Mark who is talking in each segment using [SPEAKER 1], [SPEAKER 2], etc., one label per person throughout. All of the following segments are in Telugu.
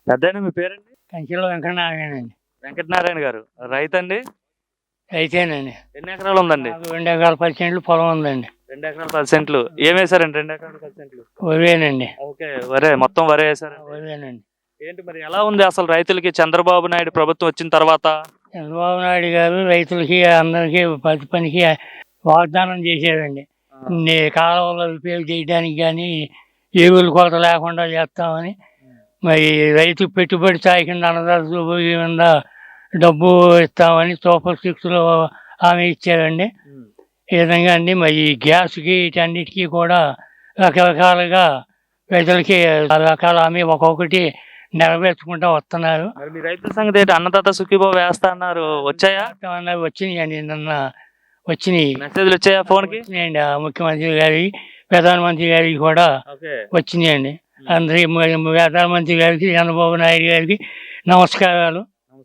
[SPEAKER 1] పెద్దాయన మీ పేరండి?
[SPEAKER 2] కంచెలో వెంకటనారాయణండి.
[SPEAKER 1] వెంకటనారాయణ గారు. రైతండి?
[SPEAKER 2] అయితేనండి
[SPEAKER 1] ఎన్ని ఎకరాలు ఉందండి?
[SPEAKER 2] నాకు 2 ఎకరాల 10 సెంట్లు పొలం ఉందండి.
[SPEAKER 1] 2 ఎకరాలు 10 సెంట్లు. ఏమేశారండి 2 ఎకరాలు 10 సెంట్లు?
[SPEAKER 2] వరేనండి.
[SPEAKER 1] ఓకే. వరే మొత్తం వరే వేశారు.
[SPEAKER 2] వరేనండి.
[SPEAKER 1] ఏంటి మరి ఎలా ఉంది అసలు రైతులకి చంద్రబాబు నాయుడు ప్రభుత్వం వచ్చిన తర్వాత?
[SPEAKER 2] చంద్రబాబు నాయుడు గారు రైతులకి అందరికీ ప్రతి పనికి వాగ్దానం చేశారండి. కాలువలు రిపేర్ చేయడానికి కానీ ఎరువుల కొరత లేకుండా చేస్తామని. మరి రైతు పెట్టుబడి సాయి కింద అన్నదాత కింద డబ్బు ఇస్తామని సూపర్ సిక్స్లో హామీ ఇచ్చారండి. ఈ విధంగా అండి మరి గ్యాస్కి వీటన్నిటికీ కూడా రకరకాలుగా ప్రజలకి రకాల హామీ ఒక్కొక్కటి నెరవేర్చుకుంటూ వస్తున్నారు.
[SPEAKER 1] మరి మీ రైతుల సంగతి ఏంటి? అన్నదాత సుఖీభావ వేస్తా అన్నారు, వచ్చాయా?
[SPEAKER 2] వచ్చినాయండి, నిన్న వచ్చినాయి.
[SPEAKER 1] మెసేజ్లు వచ్చాయా ఫోన్కి?
[SPEAKER 2] వచ్చినాయండి. ముఖ్యమంత్రి గారికి, ప్రధానమంత్రి గారికి కూడా వచ్చినాయండి. అందరికి ప్రధానమంత్రి గారికి, చంద్రబాబు నాయుడు గారికి నమస్కారాలు.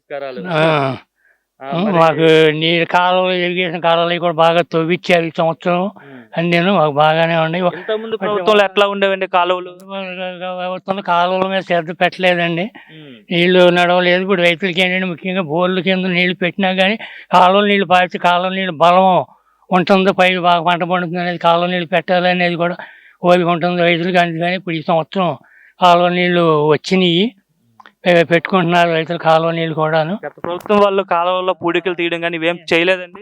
[SPEAKER 2] మాకు నీళ్ళు కాలువలు, ఇరిగేషన్ కాలువలు కూడా బాగా తవ్విచ్చారు ఈ సంవత్సరం. అన్నీ మాకు బాగానే ఉన్నాయి.
[SPEAKER 1] ప్రభుత్వంలో ఎట్లా ఉండేవండి కాలువలు?
[SPEAKER 2] కాలువల మీద శ్రద్ధ పెట్టలేదండి. నీళ్లు నడవలేదు. ఇప్పుడు రైతులకి ఏంటంటే ముఖ్యంగా బోర్ల కింద నీళ్లు పెట్టినా కానీ కాలువల నీళ్లు పారితే కాలువ నీళ్ళు బలం ఉంటుంది, పై బాగా పంట పండుతుంది అనేది, కాలువ నీళ్ళు పెట్టాలనేది కూడా ఓపిక ఉంటుంది రైతులకి. అందుకని ఇప్పుడు ఈ సంవత్సరం కాలువ నీళ్లు వచ్చినాయి, పెట్టుకుంటున్నారు రైతులు కాలువ నీళ్ళు కూడాను.
[SPEAKER 1] గత ప్రభుత్వం వాళ్ళు కాలువల్లో పూడికలు తీయడం కానీ ఇవేం చేయలేదండి?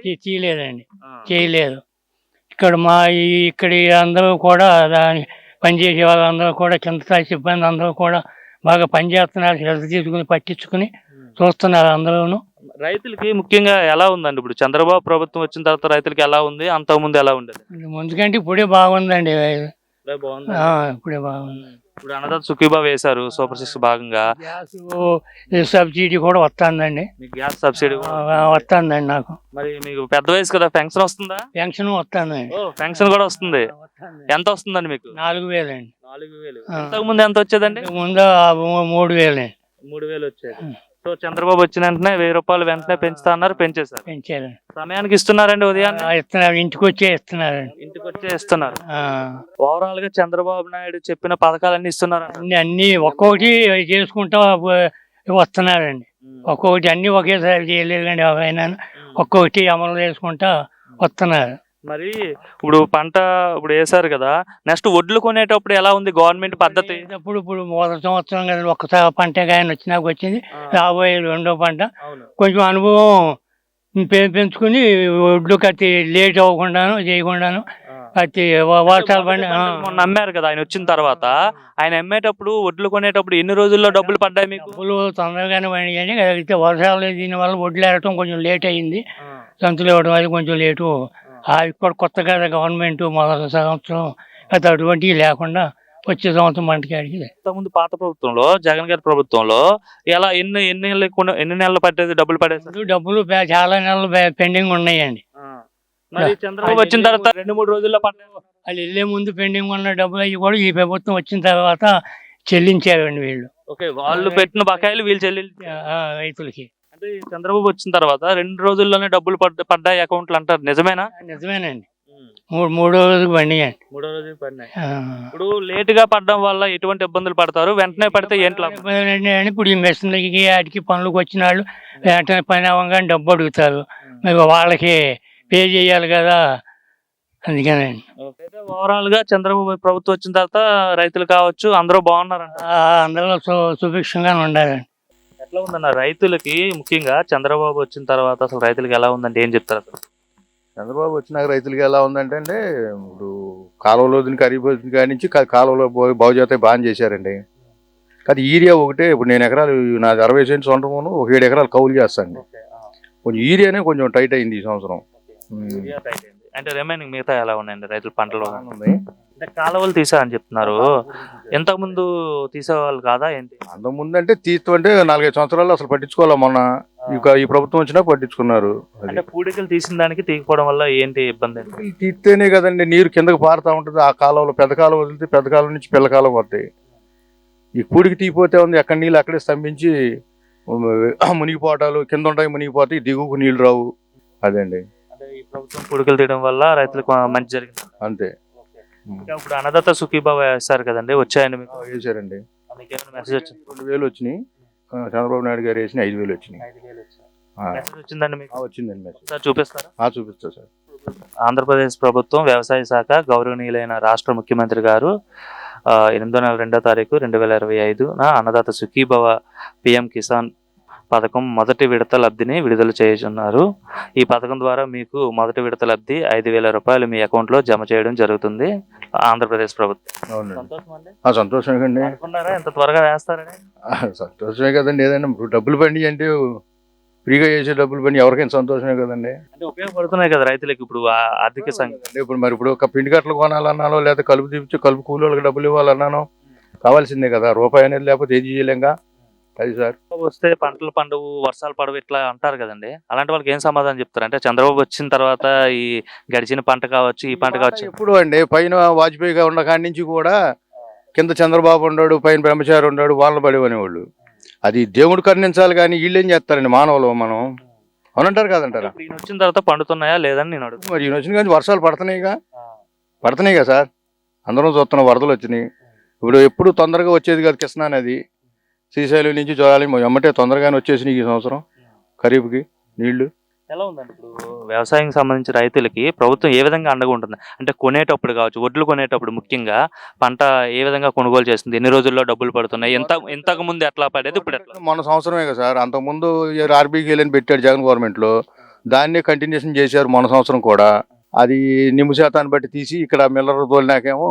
[SPEAKER 2] చేయలేదు. ఇక్కడ ఇక్కడ అందరూ కూడా దాని పనిచేసే వాళ్ళందరూ కూడా, కింద స్థాయి సిబ్బంది అందరూ కూడా బాగా పనిచేస్తున్నారు, శ్రద్ధ తీసుకుని పట్టించుకుని చూస్తున్నారు అందరూ.
[SPEAKER 1] రైతులకి ముఖ్యంగా ఎలా ఉందండి ఇప్పుడు చంద్రబాబు ప్రభుత్వం వచ్చిన తర్వాత? రైతులకి ఎలా ఉంది, అంతకుముందు ఎలా ఉండేది?
[SPEAKER 2] ముందుకంటే ఇప్పుడే బాగుందండి. ఇప్పుడే బాగుంది.
[SPEAKER 1] ఇప్పుడు అన్నదాత సుఖీభావ వేశారు సూపర్ సిక్స్ భాగంగా.
[SPEAKER 2] గ్యాస్ సబ్సిడీ కూడా వస్తుందండి.
[SPEAKER 1] గ్యాస్ సబ్సిడీ
[SPEAKER 2] వస్తుందండి నాకు.
[SPEAKER 1] మరి మీకు పెద్ద వయసు కదా, పెన్షన్ వస్తుందా?
[SPEAKER 2] పెన్షన్ వస్తుందండి.
[SPEAKER 1] పెన్షన్ కూడా వస్తుంది. ఎంత వస్తుందండి మీకు?
[SPEAKER 2] 4,000 అండి.
[SPEAKER 1] 4,000. ఇంతకు ముందు ఎంత వచ్చేదండి?
[SPEAKER 2] ముందు 3,000 అండి.
[SPEAKER 1] 3,000 వచ్చేది. సో చంద్రబాబు వచ్చిన వెంటనే 1,000 రూపాయలు వెంటనే పెంచుతా అన్నారు, పెంచారు. సమయానికి ఇస్తున్నారండి? ఉదయాన్నే
[SPEAKER 2] ఇస్తున్నారు, ఇంటికి వచ్చే ఇస్తున్నారు.
[SPEAKER 1] ఓవరాల్ గా చంద్రబాబు నాయుడు చెప్పిన పథకాలన్నీ ఇస్తున్నారు.
[SPEAKER 2] అన్ని ఒక్కొక్కటి చేసుకుంటా వస్తున్నారండి. ఒక్కొక్కటి అన్ని ఒకేసారి చేయలేదండి. ఆయన ఒక్కొక్కటి అమలు చేసుకుంటా వస్తున్నారు.
[SPEAKER 1] మరి ఇప్పుడు పంట ఇప్పుడు వేసారు కదా, నెక్స్ట్ వడ్లు కొనేటప్పుడు ఎలా ఉంది గవర్నమెంట్ పద్ధతి?
[SPEAKER 2] ఇప్పుడు మొదటి సంవత్సరం కదా ఒక్కసారి పంట ఆయన వచ్చినాక వచ్చింది, రాబోయే రెండో పంట కొంచెం అనుభవం పెంచుకుని వడ్లు కత్తి లేట్ అవ్వకుండాను చేయకుండాను కత్తి వర్షాలు పడి
[SPEAKER 1] నమ్మారు కదా ఆయన వచ్చిన తర్వాత. ఆయన అమ్మేటప్పుడు వడ్లు కొనేటప్పుడు ఎన్ని రోజుల్లో డబ్బులు పడ్డాయి మీకు?
[SPEAKER 2] డబ్బులు తొందరగానే పడినాయి, అయితే వర్షాలు దీనివల్ల వడ్లు వేయటం కొంచెం లేట్ అయింది, సంతులు ఇవ్వడం అది కొంచెం లేటు. ఇక్కడ కొత్తగా గవర్నమెంట్ మొదటి సంవత్సరం అది అటువంటివి లేకుండా వచ్చే సంవత్సరం మనకి.
[SPEAKER 1] ముందు పాత ప్రభుత్వంలో, జగన్ గారి ప్రభుత్వంలో ఎలా ఎన్ని నెలలు పట్టేది డబ్బులు పడేది?
[SPEAKER 2] డబ్బులు చాలా నెలలు పెండింగ్ ఉన్నాయండి.
[SPEAKER 1] మరి చంద్రబాబు వచ్చిన తర్వాత 2-3 రోజుల్లో పడ్డాయి.
[SPEAKER 2] వాళ్ళు వెళ్ళే ముందు పెండింగ్ ఉన్న డబ్బులు అవి కూడా ఈ ప్రభుత్వం వచ్చిన తర్వాత చెల్లించారండి వీళ్ళు.
[SPEAKER 1] వాళ్ళు పెట్టిన బకాయిలు వీళ్ళు
[SPEAKER 2] రైతులకి.
[SPEAKER 1] అంటే చంద్రబాబు వచ్చిన తర్వాత 2 రోజుల్లోనే డబ్బులు పడ్డాయి అకౌంట్లు అంటారు, నిజమేనా?
[SPEAKER 2] నిజమేనండి. మూడో రోజుకి పడినాయండి.
[SPEAKER 1] ఇప్పుడు లేట్ గా పడడం వల్ల ఎటువంటి ఇబ్బందులు పడతారు? వెంటనే పడితే ఏంటి
[SPEAKER 2] ఇప్పుడు ఈ మెషిన్లకి వాటికి పనులకు వచ్చిన వాళ్ళు వెంటనే పని అవ్వగానే డబ్బు అడుగుతారు, మరి వాళ్ళకి పే చేయాలి కదా, అందుకేనండి.
[SPEAKER 1] ఓవరాల్ గా చంద్రబాబు ప్రభుత్వం వచ్చిన తర్వాత రైతులు కావచ్చు అందరూ బాగున్నారంట.
[SPEAKER 2] అందరూ సుభిక్షంగా ఉండాలండి.
[SPEAKER 1] ఎట్లా ఉందన్న రైతులకి ముఖ్యంగా చంద్రబాబు వచ్చిన తర్వాత అసలు రైతులకి ఎలా ఉందంటే ఏం చెప్తారు అసలు?
[SPEAKER 3] చంద్రబాబు వచ్చినాక రైతులకి ఎలా ఉందంటే ఇప్పుడు కాలువలో ఖరీఫ్ కాడి నుంచి కాలువలో బాగు చేస్తే బాగా చేశారండి. కానీ ఏరియా ఒకటే, ఇప్పుడు నేను ఎకరాలు నాది 60 సెంట్స్ సొంతమును, 7 ఎకరాలు కౌలు చేస్తాను. కొంచెం ఏరియానే కొంచెం టైట్ అయింది ఈ సంవత్సరం.
[SPEAKER 1] అంటే రిమైనింగ్ మిగతా ఎలా ఉన్నాయండి రైతుల పంటలు? కాలువలు తీసారని చెప్తున్నారు, ఎంతకు ముందు తీసేవాళ్ళు కాదా ఏంటి?
[SPEAKER 3] అంతకుముందు అంటే తీస్తుంటే 4-5 సంవత్సరాలు అసలు పట్టించుకోవాలి. మొన్న ఈ ప్రభుత్వం వచ్చినా పట్టించుకున్నారు.
[SPEAKER 1] అంటే పూడికలు తీసిన దానికి తీయకపోవడం వల్ల ఏంటి ఇబ్బంది?
[SPEAKER 3] తీస్తేనే కదండి నీరు కిందకు పారుతా ఉంటుంది. ఆ కాలువలో పెద్ద కాలువ వదిలితే పెద్ద కాలువ నుంచి పిల్ల కాలువ వస్తాయి. ఈ పూడికి తీయపోతే ఉంది అక్కడ నీళ్ళు అక్కడే స్తంభించి మునిగిపోవటాలు, కింద ఉంటాయి మునిగిపోతాయి, దిగుకు నీళ్ళు రావు. అదండి.
[SPEAKER 1] అంటే ఈ ప్రభుత్వం పూడికలు తీయడం వల్ల రైతులకు మంచి జరిగింది
[SPEAKER 3] అంతే.
[SPEAKER 1] ఇప్పుడు అన్నదాత సుఖీభావ వేస్తారు కదండి, వచ్చాయండి మీకు?
[SPEAKER 3] వేసారండి.
[SPEAKER 1] మీకేమైనా మెసేజ్ వచ్చింది?
[SPEAKER 3] 2,000 వచ్చినాయి. చంద్రబాబు నాయుడు గారు వేసిన 5,000 వచ్చినాయి.
[SPEAKER 1] 5,000 వచ్చింది.
[SPEAKER 3] ఆ,
[SPEAKER 1] మెసేజ్ వచ్చిందండి మీకు?
[SPEAKER 3] వచ్చిందండి మెసేజ్.
[SPEAKER 1] ఒకసారి చూపిస్తారా?
[SPEAKER 3] చూపిస్తా సార్.
[SPEAKER 1] ఆంధ్రప్రదేశ్ ప్రభుత్వం వ్యవసాయ శాఖ గౌరవనీయులైన రాష్ట్ర ముఖ్యమంత్రి గారు 8వ నెల 2వ తారీఖు 2025న అన్నదాత సుఖీభవ పిఎం కిసాన్ పథకం మొదటి విడత లబ్ధిని విడుదల చేయుచున్నారు. ఈ పథకం ద్వారా మీకు మొదటి విడత లబ్ధి 5,000 రూపాయలు మీ అకౌంట్లో జమ చేయడం జరుగుతుంది ఆంధ్రప్రదేశ్ ప్రభుత్వం.
[SPEAKER 3] అవునండి.
[SPEAKER 1] సంతోషం అండి.
[SPEAKER 3] సంతోషమే అండి.
[SPEAKER 1] అనుకున్నారా ఎంత త్వరగా వేస్తారని?
[SPEAKER 3] సంతోషమే కదండి. ఏదైనా ఇప్పుడు డబ్బులు పండి అంటే ఫ్రీగా చేసే డబ్బులు పని ఎవరికైనా సంతోషమే కదండి.
[SPEAKER 1] అంటే ఉపయోగపడుతున్నాయి కదా రైతులకు ఇప్పుడు ఆర్థిక సంఘం.
[SPEAKER 3] ఇప్పుడు ఒక పిండి కట్టలు కొనాలన్నానో లేదా కలుపు తీపిచ్చి కలుపు కూలీలకు డబ్బులు ఇవ్వాలన్నానో కావాల్సిందే కదా. రూపాయి అనేది లేకపోతే ఏది చేయలేంగా. అది సార్
[SPEAKER 1] వస్తే పంటలు పండువు, వర్షాలు పడవు ఇట్లా అంటారు కదండి. అలాంటి వాళ్ళకి ఏం సమాధానం చెప్తారు? అంటే చంద్రబాబు వచ్చిన తర్వాత ఈ గడిచిన పంట కావచ్చు, ఈ పంట కావచ్చు.
[SPEAKER 3] ఎప్పుడు అండి పైన వాజ్పేయిగా ఉన్న కాడి నుంచి కూడా కింద చంద్రబాబు ఉన్నాడు, పైన బ్రహ్మచారి ఉన్నాడు, వాళ్ళని పడేవనేవాళ్ళు. అది దేవుడు కరుణించాలి కానీ వీళ్ళు ఏం చేస్తారండి మానవులు. మనం అవునంటారు కదంటారా?
[SPEAKER 1] ఈయన వచ్చిన తర్వాత పండుతున్నాయా లేదని నేను అడుగుతాను.
[SPEAKER 3] మరి ఈయన వచ్చిన కానీ వర్షాలు పడుతున్నాయి కదా సార్. అందరం చూస్తున్న వరదలు వచ్చినాయి. ఇప్పుడు ఎప్పుడు తొందరగా వచ్చేది కాదు కృష్ణా నది. శ్రీశైలం నుంచి చూడాలి ఎమ్మటే తొందరగానే వచ్చేసినాయి ఈ సంవత్సరం ఖరీఫ్కి నీళ్లు.
[SPEAKER 1] ఎలా ఉందండి ఇప్పుడు వ్యవసాయం సంబంధించి రైతులకి ప్రభుత్వం ఏ విధంగా అండగా ఉంటుంది? అంటే కొనేటప్పుడు కావచ్చు, వడ్లు కొనేటప్పుడు ముఖ్యంగా పంట ఏ విధంగా కొనుగోలు చేస్తుంది, ఎన్ని రోజుల్లో డబ్బులు పడుతున్నాయి, ఇంతకు ముందు ఎట్లా పడేది, ఇప్పుడు ఎట్లా?
[SPEAKER 3] మొన్న సంవత్సరమే కదా సార్. అంతకుముందు ఆర్బీకి వెళ్ళని పెట్టాడు జగన్ గవర్నమెంట్లో. దాన్నే కంటిన్యూషన్ చేశారు మొన్న సంవత్సరం కూడా. అది నిమ్ము శాతాన్ని బట్టి తీసి ఇక్కడ మిల్లర్ తోలినాకేమో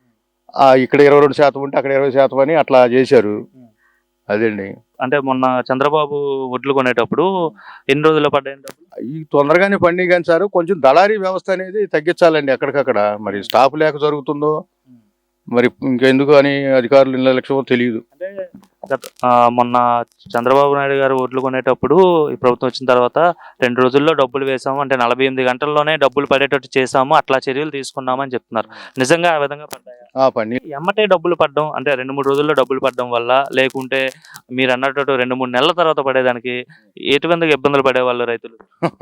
[SPEAKER 3] ఇక్కడ 22% ఉంటే అక్కడ 20% అని అట్లా చేశారు. అదండి.
[SPEAKER 1] అంటే మొన్న చంద్రబాబు వడ్లు కొనేటప్పుడు ఎన్ని రోజుల్లో పడ్డాయి?
[SPEAKER 3] ఈ తొందరగానే పండి కానీ సార్ కొంచెం దళారీ వ్యవస్థ అనేది తగ్గించాలండి ఎక్కడికక్కడ. మరి స్టాఫ్ లేక జరుగుతుందో మరి ఇంకెందుకు అని అధికారులు నిర్లక్ష్యమో తెలియదు.
[SPEAKER 1] అంటే మొన్న చంద్రబాబు నాయుడు గారు ఓట్లు కొనేటప్పుడు ఈ ప్రభుత్వం వచ్చిన తర్వాత 2 రోజుల్లో డబ్బులు వేసాము, అంటే 48 గంటల్లోనే డబ్బులు పడేటట్టు చేసాము, అట్లా చర్యలు తీసుకున్నామని చెప్తున్నారు. నిజంగా ఆ విధంగా పడ్డాయా? ఎమ్మటే డబ్బులు పడడం అంటే 2-3 రోజుల్లో డబ్బులు పడడం వల్ల, లేకుంటే మీరు అన్నట్టు 2-3 నెలల తర్వాత పడేదానికి ఎటువంటి ఇబ్బందులు పడేవాళ్ళు రైతులు?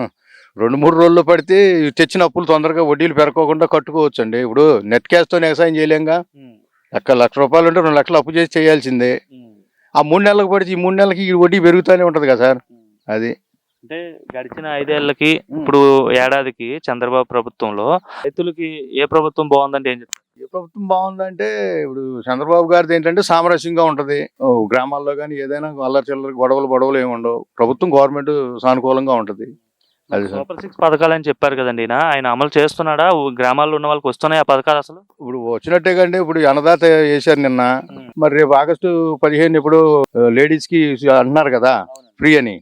[SPEAKER 3] 2-3 రోజుల్లో పడితే తెచ్చిన అప్పులు తొందరగా వడ్డీలు పెరగకుండా కట్టుకోవచ్చు అండి. ఇప్పుడు నెట్ క్యాష్తో వ్యవసాయం చేయలేంగా. ₹1,00,000 ఉంటే 2 లక్షలు అప్పు చేసి చేయాల్సిందే. ఆ 3 నెలలకు పడితే ఈ 3 నెలలకి ఈ వడ్డీ పెరుగుతూనే ఉంటది కదా సార్. అది
[SPEAKER 1] అంటే గడిచిన 5 ఏళ్ళకి ఇప్పుడు ఏడాదికి చంద్రబాబు ప్రభుత్వంలో రైతులకి ఏ ప్రభుత్వం బాగుందంటే ఏం చెప్తారు?
[SPEAKER 3] ఏ ప్రభుత్వం బాగుందంటే ఇప్పుడు చంద్రబాబు గారిది ఏంటంటే సామరస్యంగా ఉంటది. గ్రామాల్లో కానీ ఏదైనా అల్లరి చిల్లరి గొడవలు ఏమి ఉండవు. ప్రభుత్వం గవర్నమెంట్ సానుకూలంగా ఉంటది.
[SPEAKER 1] సూపర్ 6 పథకాలు అని చెప్పారు కదండి. ఆయన అమలు చేస్తున్నాడా? గ్రామాల్లో ఉన్న వాళ్ళకి వస్తున్నాయి ఆ పథకాలు? అసలు
[SPEAKER 3] ఇప్పుడు వచ్చినట్టే కండి. ఇప్పుడు అన్నదాత వేశారు నిన్న. మరి రేపు August 15 ఇప్పుడు లేడీస్ కి అంటున్నారు కదా ఫ్రీ అని.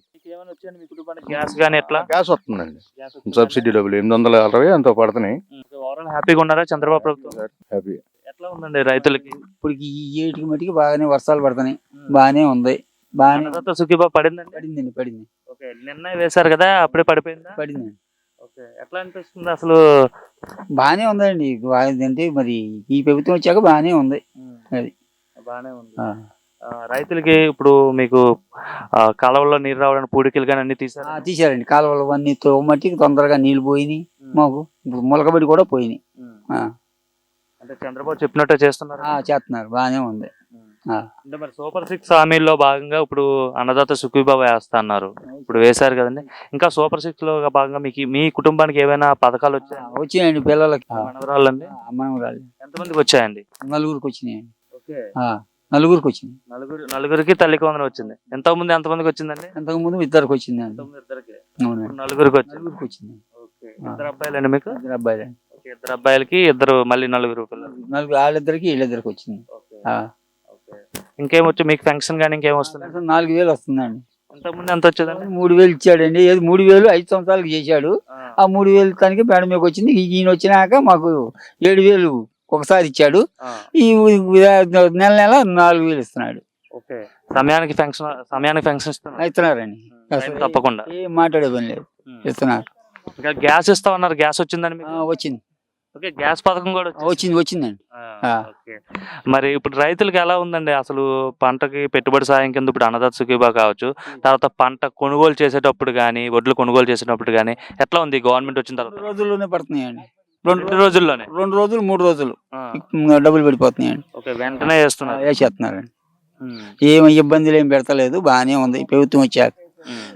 [SPEAKER 1] గ్యాస్ గానీ ఎట్లా?
[SPEAKER 3] గ్యాస్ వస్తుందండి. సబ్సిడీ డబ్బులు 860 ఎంతో పడుతున్నాయి.
[SPEAKER 1] హ్యాపీగా ఉన్నారా చంద్రబాబు ప్రభుత్వం?
[SPEAKER 3] హ్యాపీ.
[SPEAKER 1] ఎట్లా ఉందండి రైతులకి?
[SPEAKER 4] ఇప్పుడు ఈ ఏటికి మట్టికి బాగానే వర్షాలు పడుతున్నాయి. బాగానే ఉంది.
[SPEAKER 1] అన్నదాత సుఖీభావ పడిందండి?
[SPEAKER 4] పడింది.
[SPEAKER 1] ఓకే, నిన్న వేశారు కదా, అప్పుడే పడిపోయిందా?
[SPEAKER 4] పడింది.
[SPEAKER 1] ఓకే, ఎట్లా అనిపిస్తుంది అసలు?
[SPEAKER 4] బాగానే ఉందండి. అంటే మరి ఈ ప్రభుత్వం వచ్చాక బాగానే ఉంది. అది
[SPEAKER 1] బాగానే ఉంది. రైతులకి ఇప్పుడు మీకు కాలువల్లో నీరు రావడానికి పూడికలు కానీ అన్ని
[SPEAKER 4] తీసారండి. కాలువలు అన్ని మట్టికి తొందరగా నీళ్లు పోయినాయి. మాకు ఇప్పుడు మొలకబడి కూడా పోయినాయి.
[SPEAKER 1] అంటే చంద్రబాబు చెప్పినట్టే
[SPEAKER 4] చేస్తున్నారు. బాగానే ఉంది.
[SPEAKER 1] అంటే మరి సూపర్ 6 హామీల్లో భాగంగా ఇప్పుడు అన్నదాత సుఖీభావ వేస్తా అన్నారు. ఇప్పుడు వేశారు కదండి. ఇంకా సూపర్ 6 లో భాగంగా మీ కుటుంబానికి ఏమైనా పథకాలు
[SPEAKER 4] వచ్చాయండి? పిల్లలకి
[SPEAKER 1] మనవరాళ్ళండి.
[SPEAKER 4] మనవరాళ్ళు
[SPEAKER 1] ఎంతమందికి వచ్చాయండి?
[SPEAKER 4] 4 వచ్చినాయండి. 4 వచ్చింది.
[SPEAKER 1] నలుగురికి తల్లికి వందనం వచ్చింది. ఎంతమంది ఎంతమందికి వచ్చిందండి?
[SPEAKER 4] అంతకు ముందు 2 వచ్చింది.
[SPEAKER 1] 4 వచ్చింది. ఇద్దరు అబ్బాయిలండి మీకు?
[SPEAKER 4] 2 అబ్బాయిలు.
[SPEAKER 1] 2 అబ్బాయిలకి మళ్ళీ 4 పిల్లలు.
[SPEAKER 4] వాళ్ళిద్దరికి వీళ్ళిద్దరికి వచ్చింది.
[SPEAKER 1] ఇంకేమొచ్చు మీకు ఫంక్షన్ కానీ ఇంకేం వస్తుంది?
[SPEAKER 4] 4,000 వస్తుందండి.
[SPEAKER 1] ఇంతకుముందు ఎంత వచ్చేదండి?
[SPEAKER 4] 3,000 ఇచ్చాడండి. 3,000 5 సంవత్సరాలకు చేశాడు. ఆ 3,000 తనకి మేడం మీకు వచ్చింది. ఈయన వచ్చినాక మాకు 7,000 ఒకసారి ఇచ్చాడు. ఈ నెల 4,000 ఇస్తున్నాడు.
[SPEAKER 1] సమయానికి ఫంక్షన్ ఇస్తున్నారండి. తప్పకుండా
[SPEAKER 4] ఏం మాట్లాడే పని లేదు, ఇస్తున్నారు.
[SPEAKER 1] ఇంకా గ్యాస్ ఇస్తా ఉన్నారు. గ్యాస్ వచ్చిందండి?
[SPEAKER 4] వచ్చింది.
[SPEAKER 1] గ్యాస్ పథకం కూడా
[SPEAKER 4] వచ్చిందండి.
[SPEAKER 1] మరి ఇప్పుడు రైతులకి ఎలా ఉందండి అసలు? పంటకి పెట్టుబడి సాయం కింద ఇప్పుడు అన్నదాత సుఖీభావ కావచ్చు, తర్వాత పంట కొనుగోలు చేసేటప్పుడు కానీ, వడ్లు కొనుగోలు చేసేటప్పుడు కానీ ఎట్లా ఉంది గవర్నమెంట్ వచ్చిన తర్వాత?
[SPEAKER 4] 2 రోజుల్లోనే పడుతున్నాయండి.
[SPEAKER 1] 2 రోజుల్లోనే?
[SPEAKER 4] 2 రోజులు 3 రోజులు డబ్బులు పడిపోతున్నాయండి.
[SPEAKER 1] వెంటనే వేస్తున్నారండి.
[SPEAKER 4] ఏమి ఇబ్బందులు ఏం పెడతలేదు, బాగానే ఉంది ప్రభుత్వం వచ్చాక.